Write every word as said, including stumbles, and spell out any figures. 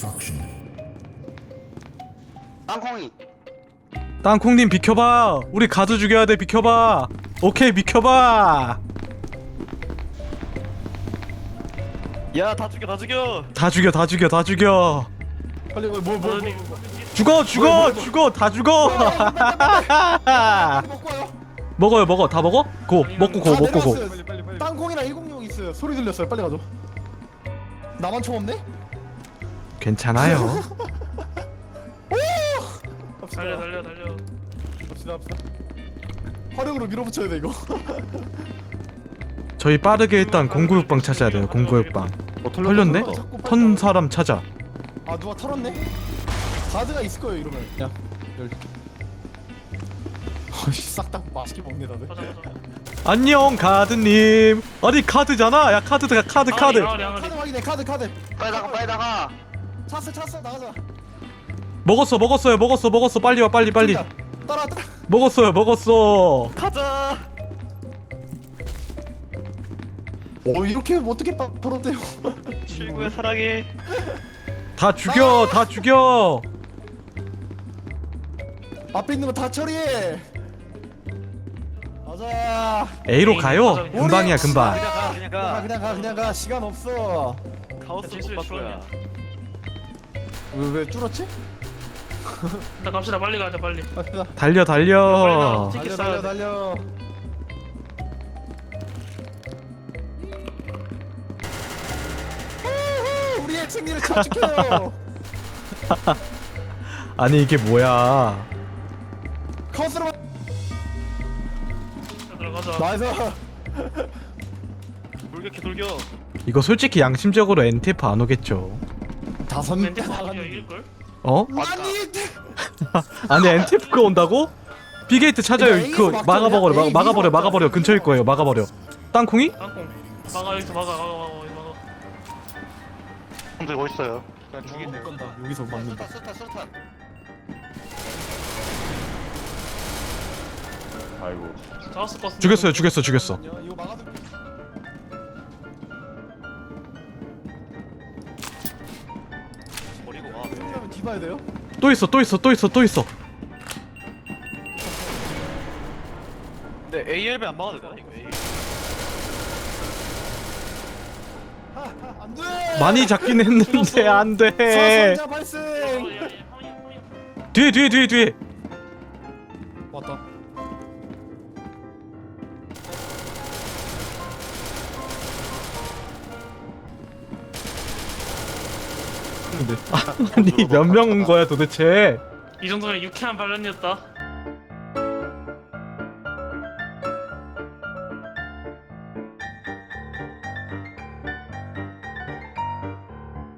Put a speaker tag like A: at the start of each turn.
A: 땅콩이.
B: 땅콩님 비켜봐. 우리 가드 죽여야 돼. 비켜봐. 오케이 비켜봐.
C: 야, 다 죽여, 다 죽여.
B: 다 죽여 다 죽여 다 죽여.
D: 빨리 뭐 뭐 뭐
B: 죽어 죽어 죽어 다 죽어.
D: 먹고 와요.
B: 먹어요 먹어 다 먹어? 고 먹고 고
D: 다
B: 먹고 고.
D: 내려왔어요.
C: 빨리, 빨리, 빨리.
D: 땅콩이랑 일공육 있어요. 소리 들렸어요. 빨리 가죠. 나만 총 없네?
B: 괜찮아요.
D: 갑시다.
C: 달려, 달려, 달려.
D: 갑시다 갑시다. 화력으로 밀어붙여야 돼 이거.
B: 저희 빠르게 일단 공구육방 찾아야 돼요. 공구육방. 털렸네? 턴 사람 찾아.
D: 아 누가 털었네? 가드가 있을 거예요 이러면. 야 열. 어씨 싹 다 맛있게 먹네 다들.
C: 가자, 가자.
B: 안녕 가드님. 아니 카드잖아. 야 카드가 카드 카드.
C: 항아리, 항아리,
D: 카드
C: 항아리.
D: 확인해 카드 카드.
A: 빨리 나가 빨리 나가.
D: 찼어 찼어 나가자.
B: 먹었어 먹었어요 먹었어 먹었어 빨리 와 빨리 빨리.
D: 저기다. 따라 따라.
B: 먹었어요 먹었어.
C: 가자.
D: 어 이렇게 어떻게 빠 털었대요?
C: 친구야, 사랑해.
B: 다 죽여 다 죽여.
D: 앞에 있는 거 다 처리해. 가자.
B: A로 가요. 금방이야 금방.
C: 그냥 가, 그냥
D: 가
C: 가.
D: 그냥 가 그냥 가 시간 없어.
C: 카오스 못 바꿔야.
D: 왜 왜 뚫었지?
C: 나 갑시다, 빨리 가자, 빨리.
D: 갑시다.
B: 달려 달려.
D: 달려 달려 달려. 우후, 우리의 승리를 축하해요.
B: 아니 이게 뭐야.
D: 카운스로
C: 자, 들어가자.
D: 나이스.
C: 돌격해, 돌격.
B: 이거 솔직히 양심적으로 엔티에프 안 오겠죠.
D: 다섯
C: 멘트
D: 명
C: 아니야,
D: 나갔는데.
C: 이길걸?
B: 어?
D: 아니
B: 아니 엔티에프가 온다고? 비게이트 찾아요.
D: A에서
B: 그거
D: 막자,
B: 막아버려
D: A,
B: 막,
D: B에서
B: 막아버려
D: 막자.
B: 막아버려. 근처일 거예요. 막아버려. 땅콩이?
C: 땅콩. 막아, 여기서 막아, 막아, 막아, 여기 막아.
A: 형 들고 있어요. 그냥
D: 죽이네.
A: 죽이네.
D: 건다. 여기서 막는다.
A: 수탄 수탄 수탄.
E: 아이고.
C: 잡았을 것 같은데.
B: 죽였어요 죽였어 죽였어.
D: 이거 막아도
C: 버리고 와.
D: 하면 뒤봐야 돼요?
B: 또 있어 또 있어 또 있어 또 있어.
C: 근데 에이엘비 안 막아도 되나, 이거? 에이.
D: 안 돼.
B: 많이 잡긴 했는데 안 돼.
D: 사상자 발생.
B: 뒤에 뒤에 뒤에 뒤에.
D: 왔다.
B: 아니 몇 명 온 거야 도대체?
C: 이 정도면 유쾌한 반란이었다.